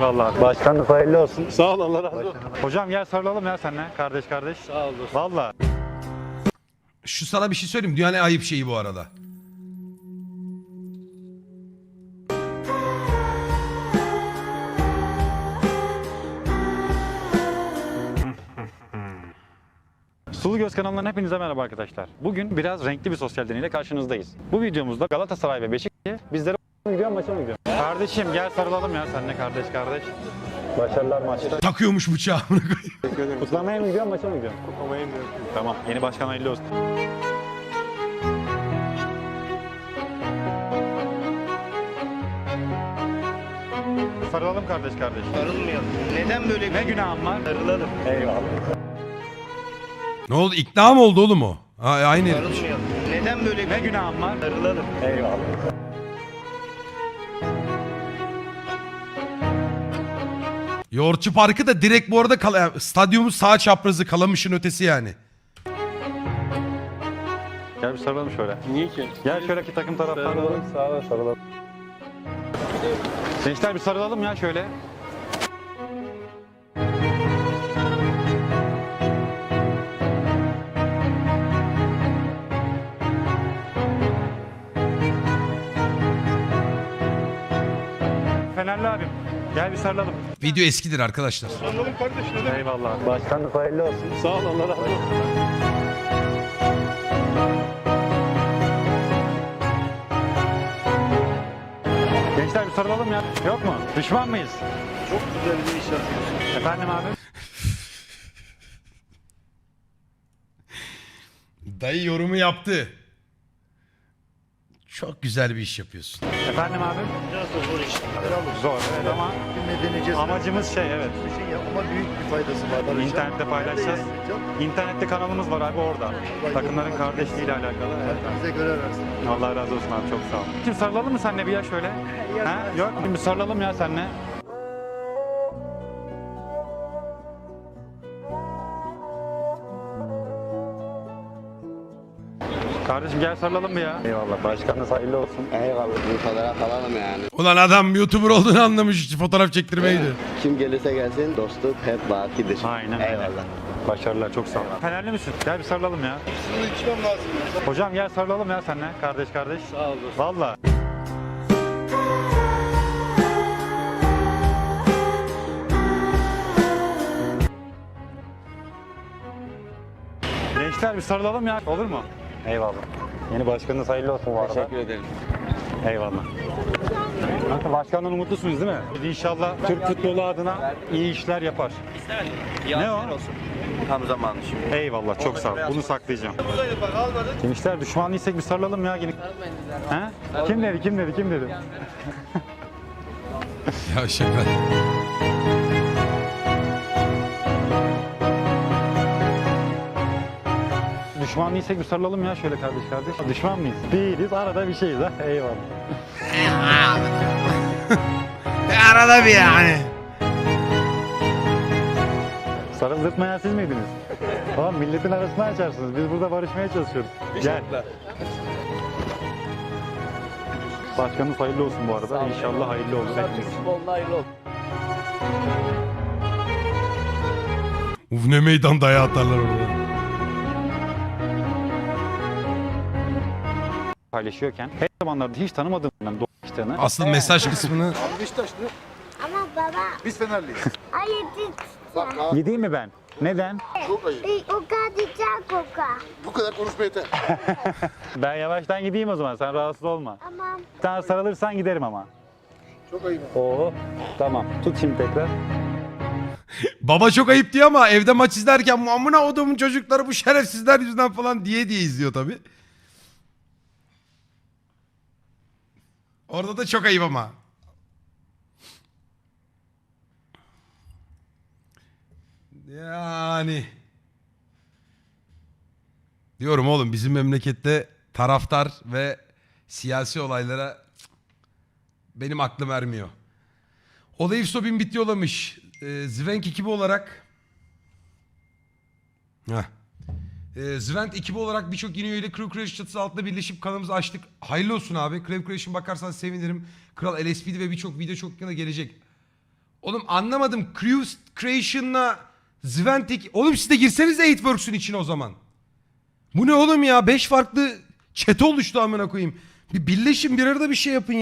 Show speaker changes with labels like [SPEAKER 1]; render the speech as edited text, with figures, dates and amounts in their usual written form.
[SPEAKER 1] Vallahi başkanlık hayırlı olsun.
[SPEAKER 2] Sağ ol, Allah razı olsun.
[SPEAKER 1] Hocam gel sarılalım ya seninle kardeş kardeş.
[SPEAKER 2] Sağ ol dostum.
[SPEAKER 1] Vallahi.
[SPEAKER 3] Şu sana bir şey söyleyeyim. Dünyanın en ayıp şeyi bu arada.
[SPEAKER 1] Sulu Göz kanalından hepinize merhaba arkadaşlar. Bugün biraz renkli bir sosyal deneyle karşınızdayız. Bu videomuzda Galatasaray ve Beşiktaş bizlere gidiyor maça mı gidiyor? Kardeşim gel sarılalım ya seninle kardeş kardeş. Başarılar maçta.
[SPEAKER 3] Takıyormuş bıçağı.
[SPEAKER 2] Teşekkür ederim.
[SPEAKER 1] Kutlamaya mı gidiyor maça mı gidiyor?
[SPEAKER 2] Kutlamaya mı?
[SPEAKER 1] Tamam yeni başkan hayırlı olsun. Sarılalım kardeş kardeş.
[SPEAKER 4] Sarılmayalım. Neden böyle bir
[SPEAKER 1] Ne günahım var?
[SPEAKER 4] sarılalım?
[SPEAKER 1] Eyvallah.
[SPEAKER 3] Ne oldu? İkna mı oldu oğlum o? Ha, aynı herif.
[SPEAKER 4] Sarılmayalım. Neden böyle
[SPEAKER 1] Ne
[SPEAKER 4] bir
[SPEAKER 1] günahım var?
[SPEAKER 4] sarılalım?
[SPEAKER 1] Eyvallah.
[SPEAKER 3] Yoğurtçu Parkı da direkt bu arada stadyumun sağ çaprazı, Kalamış'ın ötesi yani.
[SPEAKER 1] Gel bir sarılalım şöyle.
[SPEAKER 2] Niye ki?
[SPEAKER 1] Gel şöyle ki takım taraftarı olalım. Sağ ol, sarılalım. Gençler bir sarılalım ya şöyle. Fenerli abim. Gel bir sarılalım.
[SPEAKER 3] Video eskidir arkadaşlar.
[SPEAKER 2] Sarılalım kardeş, ne demek?
[SPEAKER 1] Eyvallah. Başkanlık hayırlı olsun.
[SPEAKER 2] Sağ ol, Allah razı olsun.
[SPEAKER 1] Gençler bir sarılalım ya. Yok mu? Düşman mıyız?
[SPEAKER 2] Çok güzel bir iş yapıyorsun.
[SPEAKER 1] Efendim abi?
[SPEAKER 3] Dayı yorumu yaptı. Çok güzel bir iş yapıyorsun.
[SPEAKER 1] Efendim abi?
[SPEAKER 4] Biraz da zor iş.
[SPEAKER 1] Zor evet ama
[SPEAKER 5] Deneyeceğiz.
[SPEAKER 1] amacımız şey evet.
[SPEAKER 5] Bir şey yap ama büyük bir faydası var. Barış'a.
[SPEAKER 1] İnternette paylaşacağız. İnternette kanalımız var abi orada. Takımların kardeşliğiyle alakalı. Evet.
[SPEAKER 5] Bize göre versin.
[SPEAKER 1] Allah razı olsun abi çok sağ ol. Şimdi sarılalım mı seninle bir ya şöyle? Ha? Yok şimdi sarılalım ya seninle. Kardeşim gel sarılalım mı ya? Eyvallah başkanınız hayırlı olsun.
[SPEAKER 6] Eyvallah bir fotoğraf alalım yani.
[SPEAKER 3] Ulan adam YouTuber olduğunu anlamış. Fotoğraf çektirmeydi.
[SPEAKER 6] Kim gelirse gelsin dostluk hep bakidir.
[SPEAKER 1] Aynen öyle.
[SPEAKER 6] Eyvallah.
[SPEAKER 1] Başarılar çok sağ ol. Fenerli misin? Gel bir sarılalım ya.
[SPEAKER 2] Şunu içmem lazım ya.
[SPEAKER 1] Hocam gel sarılalım ya seninle kardeş kardeş.
[SPEAKER 2] Sağ ol dostum.
[SPEAKER 1] Valla. Gençler bir sarılalım ya. Olur mu? Eyvallah. Yeni başkanınız hayırlı olsun bu arada.
[SPEAKER 6] Teşekkür ederim.
[SPEAKER 1] Eyvallah. Kanka başkandan umutlusunuz değil mi? İnşallah Türk futbolu adına iyi işler yapar. Ne o?
[SPEAKER 4] Tam zamanı şimdi.
[SPEAKER 1] Eyvallah çok sağ ol. Bunu saklayacağım. Gençler düşmanlıysak bir sarılalım ya. Yine. He? Kim dedi? Kim dedi? Kim dedi?
[SPEAKER 3] Ya şaka.
[SPEAKER 1] Düşmanlıysak bir sarılalım ya şöyle kardeş kardeş. Düşman mıyız? Değiliz. Arada bir şeyiz ha. Eyvallah.
[SPEAKER 3] Arada bir yani.
[SPEAKER 1] Sarıldırtmayan siz miydiniz? Tamam milletin arasını açarsınız. Biz burada barışmaya çalışıyoruz. Gel. Başkanınız hayırlı olsun bu arada. İnşallah hayırlı olur hepimiz.
[SPEAKER 3] Uf ne meydan dayağı atarlar orada.
[SPEAKER 1] Paylaşıyorken her zamanlarda hiç tanımadığım dostlarını
[SPEAKER 3] Asıl mesaj kısmını
[SPEAKER 5] Beşiktaşlı.
[SPEAKER 7] Ama baba,
[SPEAKER 5] Biz Fenerliyiz.
[SPEAKER 7] hayır
[SPEAKER 5] Bak abi
[SPEAKER 1] gideyim mi ben? Neden?
[SPEAKER 5] çok ayıp.
[SPEAKER 7] o kadar koka.
[SPEAKER 5] Bu kadar konuşma yeter.
[SPEAKER 1] Ben yavaştan gideyim o zaman. Sen rahatsız olma.
[SPEAKER 7] Tamam.
[SPEAKER 1] Sen sarılırsan giderim ama.
[SPEAKER 5] Çok ayıp.
[SPEAKER 1] Oo, tamam. Tut şimdi tekrar.
[SPEAKER 3] baba çok ayıp diyor ama evde maç izlerken amına odumun çocukları bu şerefsizler yüzünden falan diye izliyor tabi. Orada da çok ayıp ama. Yani. Diyorum oğlum bizim memlekette taraftar ve siyasi olaylara benim aklım ermiyor. Olayif Sobin bit yollamış. Zvenk ekibi olarak Zvenk ekibi olarak birçok yeni üyeyle Crew Creation çatısı altında birleşip kanalımızı açtık. Hayırlı olsun abi. Crew Creation bakarsan sevinirim. Kral LSP'di ve birçok video çok yakında gelecek. Oğlum anlamadım. Creation'la Zventic. Oğlum siz de girseniz 8works'ün içine o zaman. Bu ne oğlum ya? 5 farklı chat oluştu amına koyayım. Bir birleşin bir arada bir şey yapın ya.